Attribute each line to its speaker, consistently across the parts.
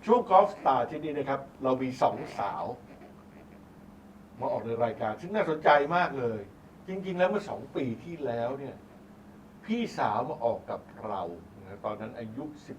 Speaker 1: ช่วงกอล์ฟสตาร์ที่นี่นะครับ เรามีสองสาวมาออกในรายการ ซึ่งน่าสนใจมากเลย จริง ๆ แล้วเมื่อ2 ปีที่แล้วเนี่ย พี่สาวมาออกกับเรานะตอนนั้นอายุ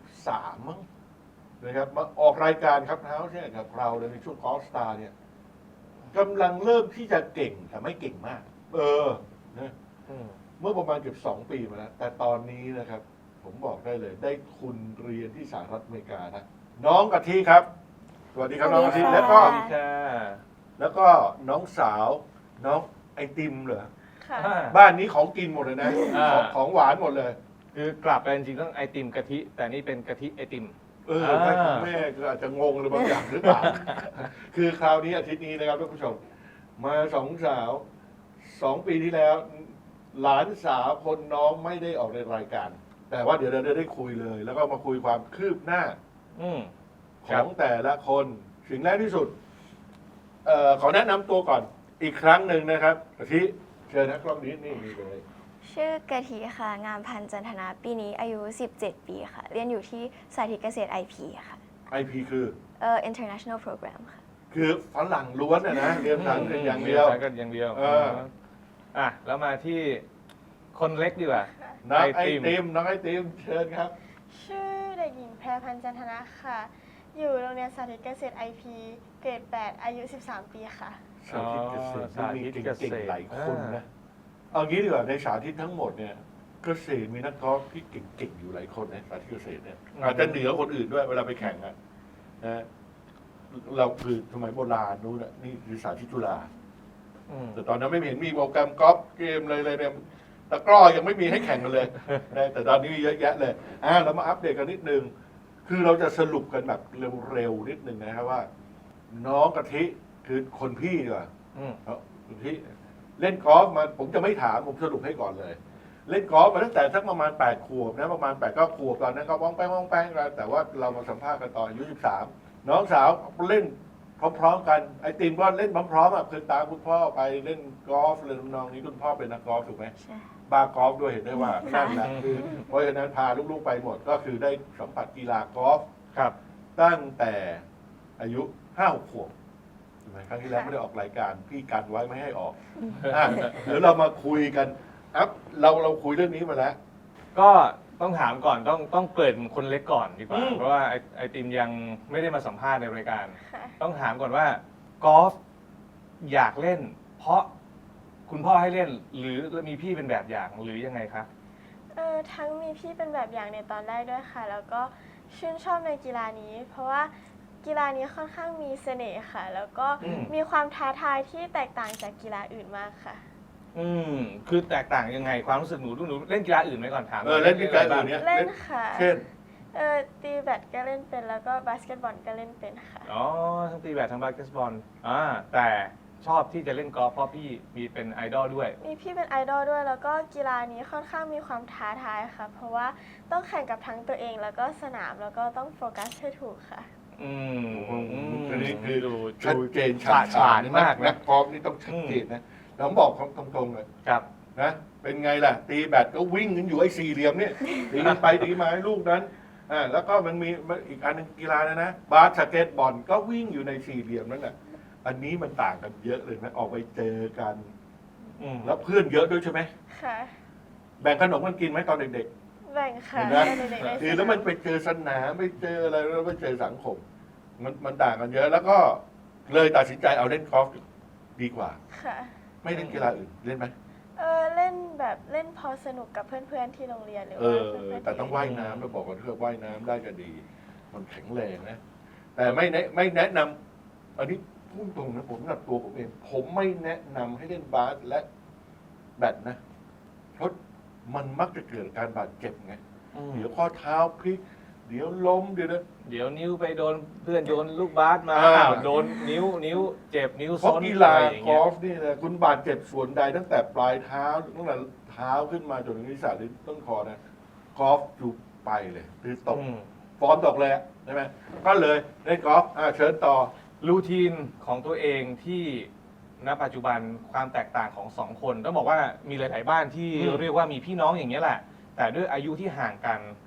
Speaker 1: 13 มั้งนะครับมาออกรายการครับเท้าเนี่ยกับเราในช่วงกอล์ฟสตาร์เนี่ยกำลังเริ่มที่จะเก่งแต่ไม่เก่งมาก นะเมื่อประมาณเกือบ2 ปีมาแล้ว แต่ตอนนี้นะครับ ผมบอกได้เลย ได้ทุนเรียนที่สหรัฐอเมริกานะ น้องกะทิครับ สวัสดีครับน้องกะทิ
Speaker 2: สวัสดีค่ะ
Speaker 1: แล้วก็
Speaker 3: สวัสดีค่ะ
Speaker 1: แล้วก็น้องสาวน้องไอติมเหรอ
Speaker 2: ค่ะ
Speaker 1: บ้านนี้ของกินหมดเลยนะ
Speaker 3: อ่า
Speaker 1: ของหวานหมดเลย
Speaker 3: คือกลับไปจริงๆต้องไอติมกะทิ แต่นี่เป็นกะทิไอติม
Speaker 1: ใช่คุณแม่ก็อาจจะงงเลยบางอย่างหรือเปล่า คือคราวนี้อาทิตย์นี้นะครับท่านผู้ชม มาสองสาว 2 ปีที่แล้ว หลานสาวคนน้องไม่ได้ออกในรายการ แต่ว่าเดี๋ยวเราได้คุยเลย แล้วก็มาคุยความคืบหน้า
Speaker 3: อืม
Speaker 1: ของแต่ละคนสิ่งแรกที่สุดขอแนะนำตัวก่อนอีกครั้งหนึ่งนะครับกะทิเชิญนะกล้องนี้นี่มีเลย
Speaker 2: ชื่อกะทิค่ะ งามพันธ์จันทนาปีนี้อายุ 17 ปีค่ะ เรียนอยู่ที่สาธิตเกษตร IP ค่ะ
Speaker 1: IP คือ
Speaker 2: International Program ค่ะ
Speaker 1: คือฝรั่งล้วนนะเรียนภาษาอังกฤษอย่างเดียว
Speaker 3: ภาษาอังกฤษอย่างเดียว แล้วมาที่คนเล็กดีกว่า
Speaker 1: น้องไอติมน้องไอติมเชิญครับ
Speaker 4: ชื่อเด็กหญิงแพรพันธ์จันทนะค่ะ อยู่โรงเรียนสาธิตเกษตร IP เกรด 8 อายุ 13 ปีค่ะ
Speaker 1: สาธิตเกษตร
Speaker 3: สาธิตเกษตร
Speaker 1: มีเก่งๆหลายคนนะเอางี้ดีกว่าในสาธิตทั้งหมดเนี่ยเกษตรมีนักกอล์ฟที่เก่งๆอยู่หลายคนนะสาธิตเกษตรเนี่ยอาจจะเหนือคนอื่นด้วยเวลาไปแข่งอะนะเราคือสมัยโบราณนู้นน่ะนี่คือสาธิตจุฬา
Speaker 3: อืม
Speaker 1: แต่ตอนนั้นไม่เห็นมีโปรแกรมกอล์ฟเกมเลยเนี่ยตะกร้อยังไม่มีให้แข่งกันเลยนะแต่ตอนนี้มีเยอะแยะเลยเรามาอัปเดตกันนิดนึง คือเราจะสรุปกันแบบเร็วๆนิดนึงนะครับว่า น้องกะทิคือคนพี่ดีกว่า
Speaker 3: อืม
Speaker 1: คนพี่เล่นกอล์ฟมาผมจะไม่ถามผมสรุปให้ก่อนเลย เล่นกอล์ฟมาตั้งแต่สักประมาณ8 ขวบนะประมาณ8-9 ขวบตอนนั้นก็ว่องแป้งกันแต่ว่าเรามาสัมภาษณ์กันตอนอายุ13น้องสาวเล่นพร้อมๆกันไอติมก็เล่นพร้อมๆคือตามคุณพ่อไปเล่นกอล์ฟเลยน้องนี้คุณพ่อเป็นนักกอล์ฟถูกไหม
Speaker 2: ใช่
Speaker 1: บาร์กอล์ฟด้วยเห็นได้ว่านั่นแหละคือเพราะฉะนั้นพาลูกๆไปหมดก็คือได้สัมผัสกีฬากอล์ฟ
Speaker 3: ครับ
Speaker 1: ตั้งแต่อายุ5-6 ขวบใช่ไหมครั้งที่แล้วไม่ได้ออกรายการพี่กันไว้ไม่ให้ออกเดี๋ยวเรามาคุยกันเราคุยเรื่องนี้มาแล้ว
Speaker 3: ก็ต้องถามก่อนต้องเกริ่นคนเล็กก่อนดีกว่า
Speaker 1: อืม
Speaker 3: เพราะว่าไอติมยังไม่ได้มาสัมภาษณ์ในรายการ
Speaker 4: ค่ะ
Speaker 3: ต้องถามก่อนว่ากอล์ฟอยากเล่น เพราะคุณพ่อให้เล่น หรือมีพี่เป็นแบบอย่างหรือยังไงคะ
Speaker 4: ทั้งมีพี่เป็นแบบอย่างในตอนแรกด้วยค่ะ แล้วก็ชื่นชอบในกีฬานี้ เพราะว่ากีฬานี้ค่อนข้างมีเสน่ห์ค่ะ แล้วก็
Speaker 3: อืม
Speaker 4: มีความท้าทายที่แตกต่างจากกีฬาอื่นมากค่ะ
Speaker 3: คือแตกต่างยังไงความรู้สึกหนูเล่นกีฬาอื่นไหมก่อนถาม
Speaker 1: เล่นกีฬาอื่นเนี่ย
Speaker 4: เล่นค่ะ
Speaker 1: เช่น
Speaker 4: ตีแบดก็เล่นเป็น แล้วก็บาสเกตบอลก็เล่นเป็นค่ะ
Speaker 3: อ๋อทั้งตีแบดทั้งบาสเกตบอลแต่ชอบที่จะเล่นกอล์ฟเพราะพี่มีเป็นไอดอลด้วย
Speaker 4: มีพี่เป็นไอดอลด้วย แล้วก็กีฬานี้ค่อนข้างมีความท้าทายค่ะ เพราะว่าต้องแข่งกับทั้งตัวเอง แล้วก็สนาม แล้วก็ต้องโฟกัสให้ถูกค่ะ
Speaker 1: อันนี้คือ
Speaker 3: ดู
Speaker 1: ชัดเจน
Speaker 3: ฉาดฉานมาก
Speaker 1: นั
Speaker 3: นะ
Speaker 1: กกอล์ฟนี่ต้องชัดเจนนะเราบอกตรงๆเลย
Speaker 3: ครับ
Speaker 1: นะเป็นไงล่ะ ตีแบตก็วิ่งกันอยู่ไอ้สี่เหลี่ยมเนี่ยตีกันไปตีมาให้ลูกนั้นแล้วก็มันมีอีกอันหนึงกีฬานะบาสเกตบอลก็วิ่งอยู่ในสี่เหลี่ยมนั่นแหละอันนี้มันต่างกันเยอะเลยนะออกไปเจอกัน แล้วเพื่อนเยอะด้วยใช่ไหม
Speaker 4: ค่ะ
Speaker 1: แบ่งขนมกันกินไหมตอนเด็ก
Speaker 4: แบ่งค่ะ
Speaker 1: เห็นไหม
Speaker 4: ให้เด็กๆได้
Speaker 1: ๆคือแล้วมันไปเจอสนามไปเจออะไรแล้วไปเจอสังคมมันต่างกันเยอะแล้วก็เลยตัดสินใจเอาเล่นกอล์ฟดีกว่า
Speaker 4: ค่ะ
Speaker 1: ไม่เล่นกีฬาอื่นเล่นไหม
Speaker 4: เล่นแบบเล่นพอสนุกกับเพื่อนๆที่โรงเรียนหรือว่าเพื่อนๆ
Speaker 1: แต่ต้องว่ายน้ำเราบอกกันเถอะว่ายน้ำได้ก็ดี มันแข็งแรงนะ แต่ไม่แนะนำอันนี้พูดตรงนะผมกับตัวผมเอง ผมไม่แนะนำให้เล่นบาสและแบดนะ เพราะมันมักจะเกิดการบาดเจ็บไง เดี๋ยวข้อเท้าพลิก เดี๋ยวล้มเดี๋ยวนะ
Speaker 3: เดี๋ยวนิ้วไปโดนเพื่อนโยนลูกบาสมา โดนนิ้วเจ็บนิ้ว
Speaker 1: เพ
Speaker 3: ซ้
Speaker 1: ราะ
Speaker 3: น
Speaker 1: กี
Speaker 3: อะ
Speaker 1: ฬา
Speaker 3: ไรอย่าง
Speaker 1: ก
Speaker 3: เงี้
Speaker 1: อย ล์ฟนี่นะคุณบาดเจ็บส่วนใดตั้งแต่ปลายเท้าตั้งแต่เท้าขึ้นมาจนถึงศีรษะหรือต้นคอนะกอล์ฟอยู่ไปเลยคือตก ฟอร์มตกเลยอะใช่ไหมก็เลยเล่นกอล์ฟเชิญต่อ
Speaker 3: รูทีนของตัวเองที่ณปัจจุบันความแตกต่างของสองคนต้องบอกว่ามีหลายๆบ้านที่
Speaker 1: อืม
Speaker 3: เรียกว่ามีพี่น้องอย่างนี้ยแหละ แต่ด้วยอายุที่ห่างกัน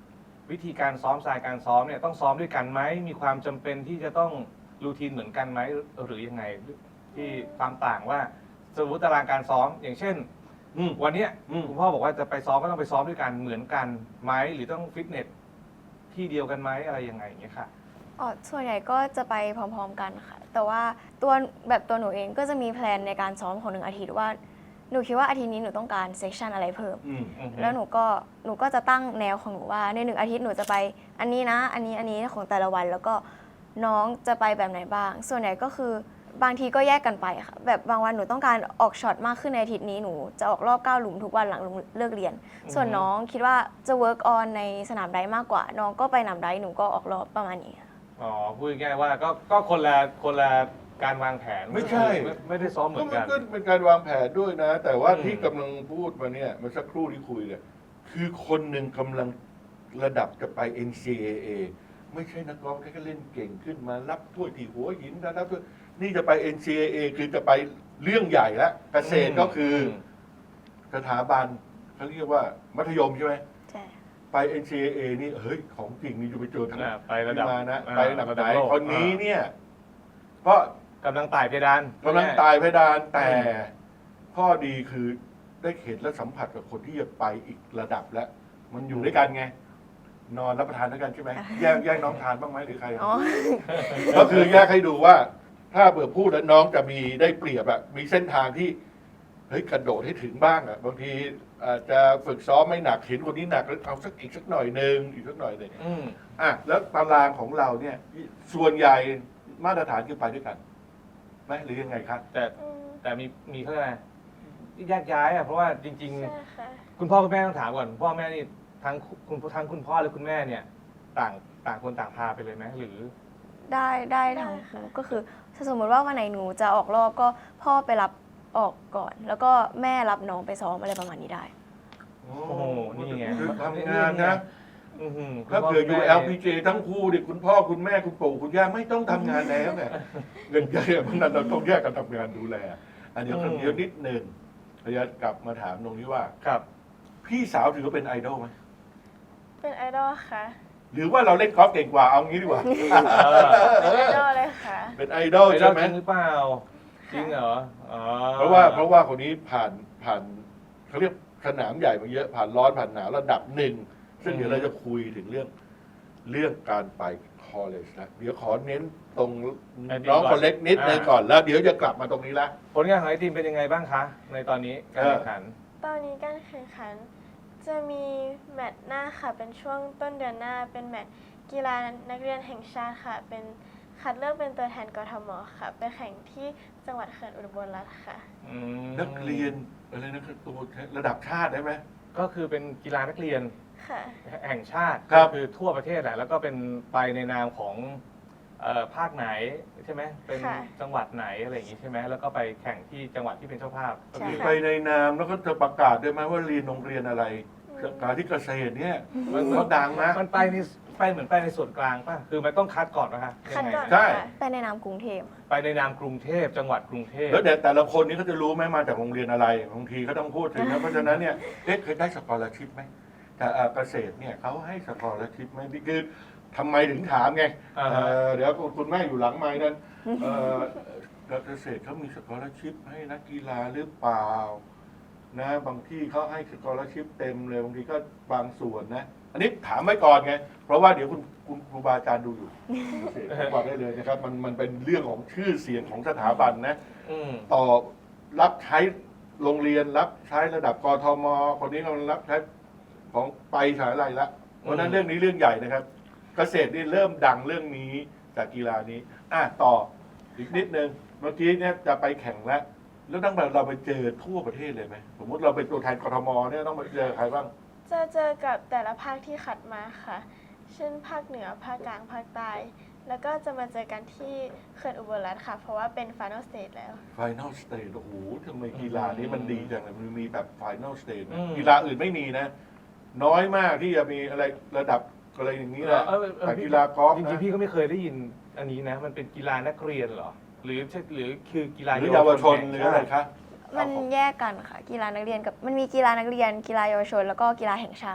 Speaker 3: วิธีการซ้อมสไตล์การซ้อมเนี่ยต้องซ้อมด้วยกันไหมมีความจำเป็นที่จะต้องรูทีนเหมือนกันไหมหรือยังไงที่ความต่างว่าสมมติตารางการซ้อมอย่างเช่น วันเนี้ยคุณพ่อบอกว่าจะไปซ้อมก็ต้องไปซ้อมด้วยกันเหมือนกันไหมหรือต้องฟิตเนสที่เดียวกันไหมอะไรยังไงอย่างเงี้ยค่ะ
Speaker 2: ส่วนใหญ่ก็จะไปพร้อมๆกันค่ะ แต่ว่าตัวหนูเองก็จะมีแพลนในการซ้อมของ1 อาทิตย์ว่าหนูคิดว่าอาทิตย์นี้หนูต้องการเซสชันอะไรเพิ่ม แล้วหนูก็จะตั้งแนวของหนูว่าใน1 อาทิตย์หนูจะไปอันนี้นะ อันนี้ของแต่ละวัน แล้วก็น้องจะไปแบบไหนบ้าง ส่วนใหญ่ก็คือบางทีก็แยกกันไปค่ะ แบบบางวันหนูต้องการออกช็อตมากขึ้นในอาทิตย์นี้หนูจะออกรอบ9 หลุมทุกวันหลังเลิกเรียน ส่วนน้องคิดว่าจะ work on ในสนามไดฟ์มากกว่า น้องก็ไปสนามไดฟ์หนูก็ออกรอบประมาณนี้ค่ะ
Speaker 3: อ๋อพูดง่ายๆว่าก็คนละการวางแผน
Speaker 1: ไม่ใช่
Speaker 3: ไม่ได้ซ้อมเหมื
Speaker 1: ก็
Speaker 3: อน
Speaker 1: มัน
Speaker 3: กัน
Speaker 1: ก็เป็นการวางแผนด้วยนะ แต่ว่า
Speaker 3: อืม
Speaker 1: ที่กำลังพูดมาเนี่ยมันสักครู่ที่คุยเนี่ยคือคนหนึ่งกำลังระดับจะไป NCAA ไม่ใช่นักกอล์ฟแค่เล่นเก่งขึ้นมารับถ้วยที่หัวหินรับถ้วยนี่จะไป NCAA คือจะไปเรื่องใหญ่แล้วเกษตรก็คือสถาบันเขาเรียกว่ามัธยมใช่ไหม
Speaker 2: ใช่
Speaker 1: ไป NCAA นี่เฮ้ยของจริงนี่จะไปเจอทาง
Speaker 3: ไประดับ
Speaker 1: มานะไประดับไหน
Speaker 3: โลก
Speaker 1: คนนี้เนี่ยก็
Speaker 3: กำลังไต่เพดาน
Speaker 1: กำลังตายเพดานแต่ข้อดีคือได้เห็นและสัมผัสกับคนที่จะไปอีกระดับแล้ว มันอยู่ด้วยกันไง นอนรับประทานด้วยกันใช่ไหมแยกน้องทานบ้างไหมหรือใคร
Speaker 2: อ๋อ
Speaker 1: ก็คือแยกให้ดูว่า ถ้าเบื่อพูดแล้วน้องจะมีได้เปรียบอะมีเส้นทางที่เฮ้ยกระโดดให้ถึงบ้างอะบางทีอาจจะฝึกซ้อมไม่หนักเห็นคนนี้หนักแล้วเอาอีกสักหน่อยหนึ่งอีกสักหน่อยหนึ่ง
Speaker 3: อืม
Speaker 1: อ่ะแล้วตารางของเราเนี่ย ส่วนใหญ่มาตรฐานคือไปด้วยกันไหมหรือยังไงครับ
Speaker 3: แต่มีเขาเรียกอะไรแยกย้ายอ่ะเพราะว่าจริง
Speaker 4: ใช่ค่ะ
Speaker 3: ๆ คุณพ่อคุณแม่ต้องถามก่อนพ่อแม่นี่ทั้งคุณพ่อและคุณแม่เนี่ยต่างคนต่างพาไปเลยไหมหรือ
Speaker 2: ได้ทั้งคู่ก็คือถ้าสมมติว่าวันไหนหนูจะออกรอบก็พ่อไปรับออกก่อน แล้วก็แม่รับน้องไปซ้อมอะไรประมาณนี้ได้
Speaker 3: โอ้โหนี่ไง
Speaker 1: คือทำงานนะ
Speaker 3: อื้อหื
Speaker 1: ถ้าเผื่ออยู่
Speaker 3: คุณพ่คุณแม่
Speaker 1: LPG ทั้งคู่ดิคุณพ่อคุณแม่คุณปู่คุณย่าไม่ต้องทำงานแล้วเนี่ยเงินเยอะเพราะฉะนั้นเราต้องแยกกันทำงานดูแล อันนี้คนเดียวนิดหนึ่งพยากลับมาถามตรงนี้ว่า
Speaker 3: ครับ
Speaker 1: พี่สาวถือว่าเป็นไอดอลไหม
Speaker 4: เป็นไอดอลค่ะ
Speaker 1: หรือว่าเราเล่นกอล์ฟเก่งกว่าเอางี้ดีกว่า
Speaker 4: เป็นไอดอลเลยค่ะ
Speaker 1: เป็นไอดอล
Speaker 3: ไป
Speaker 1: ใช่ไหม
Speaker 3: จริงหรือเปล่าจริงเหรออ๋อ
Speaker 1: เพราะว่าคนนี้ผ่านเขาเรียกสนามใหญ่มาเยอะผ่านร้อนผ่านหนาวระดับหนึ่งซึ่งเดี๋ยวเราจะคุยถึงเรื่องการไปคอลเลจนะเดี๋ยวขอเน้นตรงน้องคนเล็กนิดนึงก่อนแล้วเดี๋ยวจะกลับมาตรงนี้ละ
Speaker 3: ผลงานของไอทีมเป็นยังไงบ้างคะ ในตอนนี้การแข่งขัน
Speaker 4: ตอนนี้การแข่งขันจะมีแมตช์หน้าค่ะ เป็นช่วงต้นเดือนหน้า เป็นแมตช์กีฬานักเรียนแห่งชาติค่ะ เป็นคัดเลือกเป็นตัวแทนกทมค่ะ ไปแข่งที่จังหวัดเขื่อนอุบลรัตน์ค่ะ
Speaker 1: นักเรียนอะไรนะตัวระดับชาติได้ไหม
Speaker 3: ก็คือเป็นกีฬานักเรียน
Speaker 4: ค่ะ
Speaker 3: แห่งชาติ
Speaker 1: ครับ
Speaker 3: ก็คือทั่วประเทศแหละแล้วก็เป็นไปในนามของภาคไหนใช่ไหมเป็น
Speaker 4: ค่ะ
Speaker 3: จังหวัดไหนอะไรอย่างงี้ใช่ไหมแล้วก็ไปแข่งที่จังหวัดที่เป็นเจ้าภาพ
Speaker 4: ใช่
Speaker 1: มี
Speaker 4: ค่ะ
Speaker 1: ไปในนามแล้วก็จะประกาศด้วยไหมว่าเรียนโรงเรียนอะไรการที่เกษตรเนี่ยมันก็ดังนะ
Speaker 3: มันไปเหมือนไปในส่วนกลางป่ะคือมันต้องคัดก่อนนะคะ
Speaker 4: คัดก่อน
Speaker 1: ใช่
Speaker 4: ค่ะ
Speaker 2: ไปในนามกรุงเทพ
Speaker 3: ไปในนามกรุงเทพจังหวัดกรุงเทพ
Speaker 1: แล้วแต่ละคนนี้เขาจะรู้ไหมมาจากโรงเรียนอะไรบางทีเขาต้องพูดถึงนะเพราะฉะนั้นเนี่ยเคยได้สกอร์ชิพไหมแต่เกษตรเนี่ยเขาให้สกอร์ชิพไหมนี่คือทำไมถึงถามไง
Speaker 3: อ่าฮะ
Speaker 1: เดี๋ยวคุณแม่อยู่หลังไม้นั้นเกษตรเขามีสกอร์ชิพให้นักกีฬาหรือเปล่านะบางที่เขาให้สกอร์ชิพเต็มเลยบางทีก็บางส่วนนะ อันนี้ถามไว้ก่อนไง เพราะว่าเดี๋ยวคุณครูบาอาจารย์ดูอยู่ผมบอกได้เลยนะครับ มันเป็นเรื่องของชื่อเสียงของสถาบันนะ
Speaker 3: อืม
Speaker 1: ต่อรับใช้โรงเรียนรับใช้ระดับกทมคนนี้เรารับใช้ของไปสายอะไรละเพราะฉะนั้นเรื่องนี้เรื่องใหญ่นะครับ เกษตรนี่เริ่มดังเรื่องนี้จากกีฬานี้ต่ออีกนิดนึงเมื่อกี้เนี่ยจะไปแข่งแล้วต้องแบบเราไปเจอทั่วประเทศเลยไหมสมมติเราเป็นตัวแทนกทมเนี่ยต้องไปเจอใครบ้าง
Speaker 4: จะเจอกับแต่ละภาคที่คัดมาค่ะ เช่นภาคเหนือ ภาคกลาง ภาคใต้ แล้วก็จะมาเจอกันที่เขื่อนอุบลรัตน์ค่ะ เพราะว่าเป็น Final Stage แล้ว
Speaker 1: Final Stage โอ้โหทำไมกีฬานี้มันดีจังเลยมันมีแบบ Final Stage นะ
Speaker 3: อืม
Speaker 1: กีฬาอื่นไม่มีนะ น้อยมากที่จะมีอะไรระดับอะไรอย่างนี้นะ แต่กีฬากอล์ฟ
Speaker 3: จริ
Speaker 1: นะ
Speaker 3: งๆพี่ก็ไม่เคยได้ยินอันนี้นะ มันเป็นกีฬานักเรียนเหรอ หรือคือกีฬา
Speaker 1: หรือเยาวชน
Speaker 3: แห่ง
Speaker 1: หรืออะไรคะ
Speaker 2: มันแยกกันค่ะ กีฬานักเรียนกับมันมีกีฬานักเรียน กีฬาเยาวชน แล้วก็กีฬาแห่งชาติ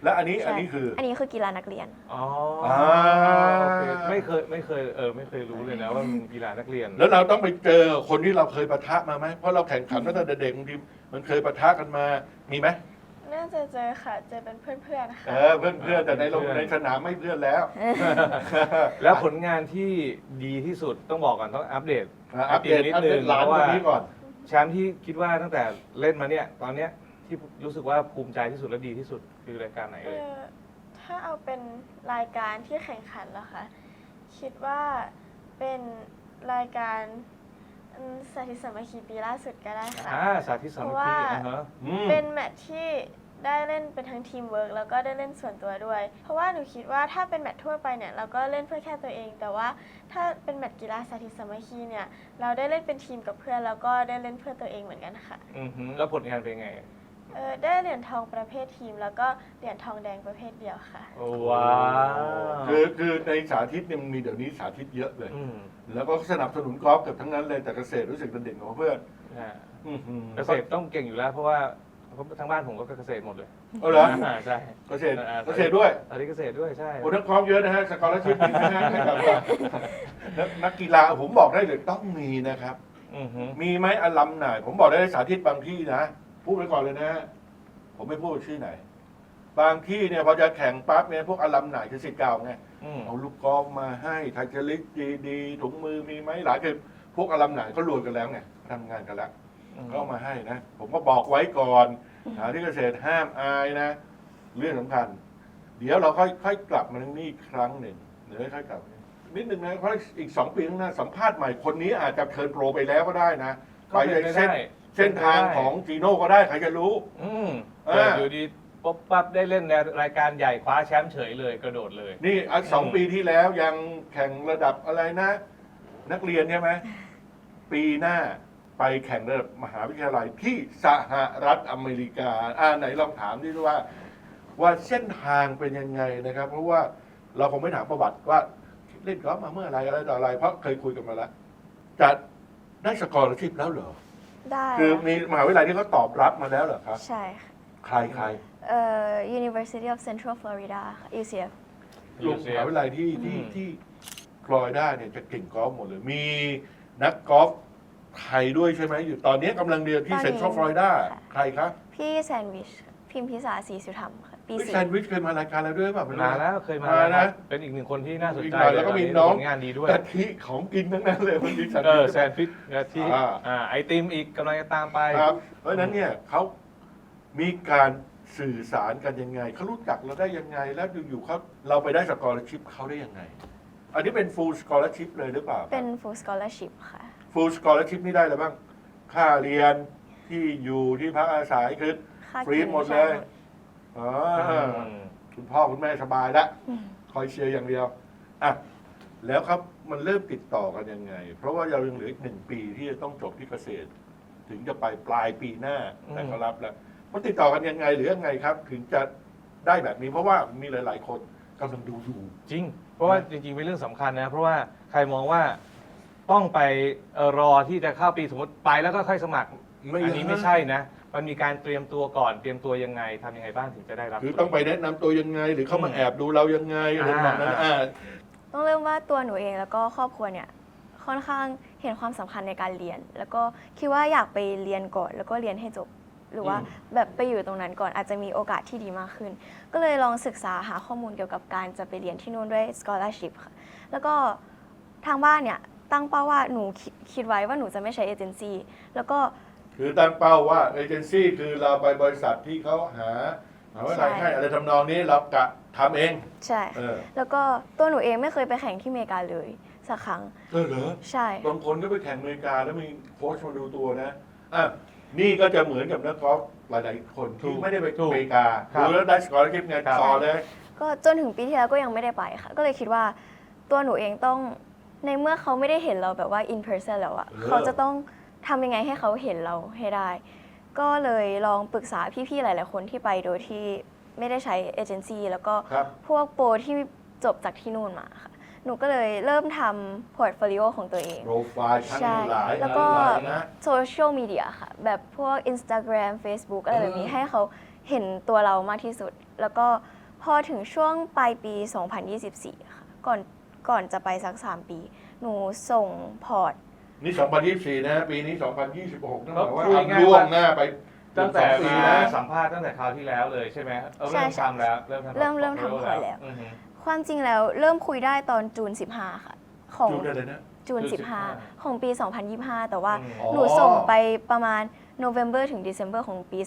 Speaker 1: แล้วอันนี้
Speaker 2: ใช่
Speaker 1: อันนี้คือ
Speaker 2: อันนี้คือกีฬานักเรียน
Speaker 3: อ๋อ
Speaker 1: อ่า
Speaker 3: โอเคไม่เคยรู้เลยนะว่ามันกีฬานักเรียน
Speaker 1: แล้วเราต้องไปเจอคนที่เราเคยปะทะมาไหมเพราะเราแข่งขันตั้งแต่เด็กบางทีมันเคยปะทะกันมามีไหม
Speaker 4: น่าจะเจอค่ะ เจอเป็นเพื่อนๆค่ะ
Speaker 1: เพื่อนแต่ในโรงในสนามไม่เพื่อนแล้ว
Speaker 3: แล้วผลงานที่ดีที่สุดต้องบอกก่อนต้องอัปเดต
Speaker 1: อัปเดต
Speaker 3: นิด
Speaker 1: อัป
Speaker 3: นึ
Speaker 1: เด
Speaker 3: ง
Speaker 1: ตหลาน
Speaker 3: เพราะ
Speaker 1: คน
Speaker 3: ว่า
Speaker 1: นี้ก่อน
Speaker 3: แชมป์ที่คิดว่าตั้งแต่เล่นมาเนี่ยตอนเนี้ยที่รู้สึกว่าภูมิใจที่สุดและดีที่สุดคือรายการไหนเอ่ย
Speaker 4: ถ้าเอาเป็นรายการที่แข่งขันแล้วคะคิดว่าเป็นรายการสาธิตสามัคคีปีล่าสุดก็ได้ค่ะ
Speaker 3: สาธิตสามัคคี
Speaker 4: เพราะว่า
Speaker 3: ฮะ
Speaker 4: เป็นแมตช์ที่ได้เล่นเป็นทั้งทีมเวิร์กแล้วก็ได้เล่นส่วนตัวด้วย เพราะว่าหนูคิดว่าถ้าเป็นแมตช์ทั่วไปเนี่ยเราก็เล่นเพื่อแค่ตัวเอง แต่ว่าถ้าเป็นแมตช์กีฬาสาธิตสามัคคีเนี่ยเราได้เล่นเป็นทีมกับเพื่อนแล้วก็ได้เล่นเพื่อตัวเองเหมือนกันค่ะ
Speaker 3: แล้วผลงานเป็นไง
Speaker 4: ได้เหรียญทองประเภททีม แล้วก็เหรียญทองแดงประเภทเดียวค่ะ
Speaker 3: ว้าว
Speaker 1: คือในสาธิตเนี่ยมันมีเดี๋ยวนี้สาธิตเยอะเลย
Speaker 3: ม
Speaker 1: แล้วก็สนับสนุนกอล์ฟเกือบทั้งนั้นเลยแต่เกษตรรู้สึกเป็นเด่นกว่าเพื่อน
Speaker 3: อ่า
Speaker 1: อื้อหือ
Speaker 3: เกษตรต้องเก่งอยู่แล้วเพราะว่าทั้งบ้านผมก็เกษตรหมดเลย
Speaker 1: เอาเหรอ
Speaker 3: ใช่
Speaker 1: เกษตรด้วย
Speaker 3: ตอนนี้เกษตรด้วยใช่
Speaker 1: โอ้ทั้งกอล์ฟเยอะนะฮะสกอร์ชิพนะฮะให้กับนักกีฬาผมบอกได้เลยต้องมีนะครับ
Speaker 3: อือฮึ
Speaker 1: มีไหมอลัมไหนผมบอกได้สาธิตบางที่นะพูดไว้ก่อนเลยนะ ผมไม่พูดชื่อไหน บางที่เนี่ยพอจะแข่งปั๊บเนี่ยพวกอลัมไหนคือสิทธิ์เก่าไง
Speaker 3: อืม
Speaker 1: เอาลูกกอล์ฟมาให้ไทเทลิกดีๆถุงมือมีไหมหลายคือพวกอลัมไหนเขารวยกันแล้วไงทำงานกันแล้วก็เอามาให้นะ ผมก็บอกไว้ก่อนที่เกษตรห้ามอายนะ เรื่องสำคัญ เดี๋ยวเราค่อยกลับมาเรื่องนี้อีกครั้งหนึ่งเดี๋ยวค่อยกลับนิดหนึ่งนะเพราะอีก2 ปีข้างหน้าสัมภาษณ์ใหม่คนนี้อาจจะเทิร์นโปรไปแล้วก็ได้นะ
Speaker 3: ก็
Speaker 1: ไป
Speaker 3: เป็น
Speaker 1: ใน
Speaker 3: ไปได้
Speaker 1: เส้นทางของจีโน่ก็ได้ใครจะรู้
Speaker 3: อืม
Speaker 1: อ่า
Speaker 3: เกิดอยู่ดีป๊บปั๊บได้เล่นในรายการใหญ่คว้าแชมป์เฉยเลยกระโดดเลย
Speaker 1: นี่2 ปีที่แล้วยังแข่งระดับอะไรนะ นักเรียนใช่ไหมปีหน้าไปแข่งระดับมหาวิทยาลัยที่สหรัฐอเมริกาไหนลองถามดิว่าเส้นทางเป็นยังไงนะครับ เพราะว่าเราคงไม่ถามประวัติว่าเล่นกอล์ฟมาเมื่อไหรอะไรต่ออะไร เพราะเคยคุยกันมาแล้วจะได้สกอร์ชิพแล้วเหรอ
Speaker 2: ได้
Speaker 1: คือมีมหาวิทยาลัยที่เขาตอบรับมาแล้วเหรอครับ
Speaker 2: ใช่ค่ะ
Speaker 1: ใคร
Speaker 2: University of Central Florida ค่ะ UCF
Speaker 1: ลูกมหาวิทยาลัยที่ฟลอริดาเนี่ยจะเก่งกอล์ฟหมดเลย มีนักกอล์ฟไทยด้วยใช่ไหมอยู่ตอนนี้กำลังเรียนที่
Speaker 2: ตอนนี้
Speaker 1: เซ็นทรัลฟลอริดา
Speaker 2: ค่ะ
Speaker 1: ใครครับ
Speaker 2: พี่แซนด์วิชพิมพิสาศรีสุธรรมค่ะ ปี
Speaker 1: พี่
Speaker 2: สี่
Speaker 1: แซนด์วิชเคยมารายการเราด้วยป่ะไม่รู้
Speaker 3: มาแล้วเคยมา
Speaker 1: มา
Speaker 3: แล้ว
Speaker 1: นะ
Speaker 3: ครับเป็นอีกหนึ่งคนที่น่าสนใจ
Speaker 1: แล้วก็มี
Speaker 3: ต
Speaker 1: น้อง
Speaker 3: ผลงานดีด้วย
Speaker 1: กะทิของกินทั้งนั้นเลยมันมีแซนด์
Speaker 3: เอ
Speaker 1: วิ
Speaker 3: อ
Speaker 1: ช
Speaker 3: แซนฟิชกะทิ ไอติมอีกกำลังจะตามไป
Speaker 1: ครับ เพราะฉะนั้นเนี่ยเขามีการสื่อสารกันยังไงเขารู้จักเราได้ยังไง แล้วอยู่ๆเขาเราไปได้สกอร์ชิพเขาได้ยังไง อันนี้เป็นฟูลสกอร์ชิพเลยหรือเปล่า
Speaker 2: เป็น full scholarship ค่ะ
Speaker 1: ฟูลสกอร์ชิพนี่ได้อะไรบ้าง ค่าเรียนที่อยู่ที่พักอาศัยคือ
Speaker 2: ค่า
Speaker 1: ฟรี
Speaker 2: กิน
Speaker 1: หมดเลย อ๋อคุณพ่อคุณแม่สบายแล้วคอยเชียร์อย่างเดียวอ่ะแล้วครับมันเริ่มติดต่อกันยังไง เพราะว่าเรายังเหลืออีก1 ปีที่จะต้องจบที่เกษตร ถึงจะไปปลายปีหน้าแต่เขารับแล้วมันติดต่อกันยังไงหรือยังไงครับ ถึงจะได้แบบนี้เพราะว่ามีหลาย ๆ คนกำลังดูอยู่
Speaker 3: จริง เพราะว่าจริงๆเป็นเรื่องสำคัญนะ เพราะว่าใครมองว่าต้องไปรอที่จะเข้าปีสมมติไปแล้วก็ค่อยสมัคร อันนี้ไม่ใช่นะ มันมีการเตรียมตัวก่อน เตรียมตัวยังไงทำยังไงบ้างถึงจะได้รับ
Speaker 1: คือต้องไปแนะนำตัวยังไง หรือเขามาแอบดูเรายังไงอะไรแบบนั้น
Speaker 2: ต้องเริ่มว่าตัวหนูเองแล้วก็ครอบครัวเนี่ยค่อนข้างเห็นความสำคัญในการเรียน แล้วก็คิดว่าอยากไปเรียนก่อนแล้วก็เรียนให้จบ หรือว่าแบบไปอยู่ตรงนั้นก่อนอาจจะมีโอกาสที่ดีมากขึ้น ก็เลยลองศึกษาหาข้อมูลเกี่ยวกับการจะไปเรียนที่นู่นด้วย scholarship ค่ะแล้วก็ทางบ้านเนี่ยตั้งเป้าว่าหนูคิดไว้ว่าหนูจะไม่ใช้เอเจนซี่แล้วก็
Speaker 1: คือตั้งเป้าว่าเอเจนซี่คือเราไปบริษัทที่เขาหาว่าอะไรให้อะไรทำนองนี้เรากะทำเอง
Speaker 2: ใช่แล้วก็ตัวหนูเองไม่เคยไปแข่งที่อเมริกาเลยสักครั้ง
Speaker 1: เหรอ
Speaker 2: ใช่
Speaker 1: บางคนก็ไปแข่งอเมริกาแล้วมีโค้ชมาดูตัวนะนี่ก็จะเหมือนกับนักกอล์ฟหลายๆคนที่ไม่ได้ไปอเมริกาดูแล้วได้สกอร์ชิพไงต่อเลย
Speaker 2: ก็จนถึงปีที่แล้วก็ยังไม่ได้ไปค่ะก็เลยคิดว่าตัวหนูเองต้องในเมื่อเขาไม่ได้เห็นเราแบบว่า in person แล้วอะเขาจะต้องทำยังไงให้เขาเห็นเราให้ได้ ก็เลยลองปรึกษาพี่ๆหลายๆคนที่ไปโดยที่ไม่ได้ใช้เอเจนซี่แล้วก็พวกโปรที่จบจากที่นู่นมาค่ะหนูก็เลยเริ่มทำพอร์ตโฟลิโอของตัวเอง
Speaker 1: โปรไฟล์ทั้งหลาย
Speaker 2: แล้วก็
Speaker 1: นะ
Speaker 2: โซเชียลมีเดียค่ะ แบบพวก Instagram Facebook อะไรแบบนี้ให้เขาเห็นตัวเรามากที่สุด แล้วก็พอถึงช่วงปลายปี 2024 ค่ะ ก่อนจะไปสัก 3 ปี หนูส่งพอร์ต
Speaker 1: นี่ 2024 นะ ปีนี้ 2026นั่นหมายว่า
Speaker 3: ก็คุยง่ายๆ
Speaker 1: ล่วงหน้าไป
Speaker 3: ตั้งแต่
Speaker 1: 2 ปี
Speaker 3: มา
Speaker 1: นะ
Speaker 3: สัมภาษณ์ตั้งแต่คราวที่แล้วเลยใช่ไหมเริ่มทำแล้วเริ่มทำ
Speaker 2: เริ่มทำพอร์ตแล้ว
Speaker 3: อือฮึ
Speaker 2: ความจริงแล้วเริ่มคุยได้ตอนจูน 15 ค่ะ ของ
Speaker 1: จูนอะไรนะ
Speaker 2: จูน
Speaker 3: จูน
Speaker 2: 15 ของปี 2025 แต่ว่า
Speaker 1: อ๋อ
Speaker 2: หนูส่งไปประมาณ November ถึง December ของปี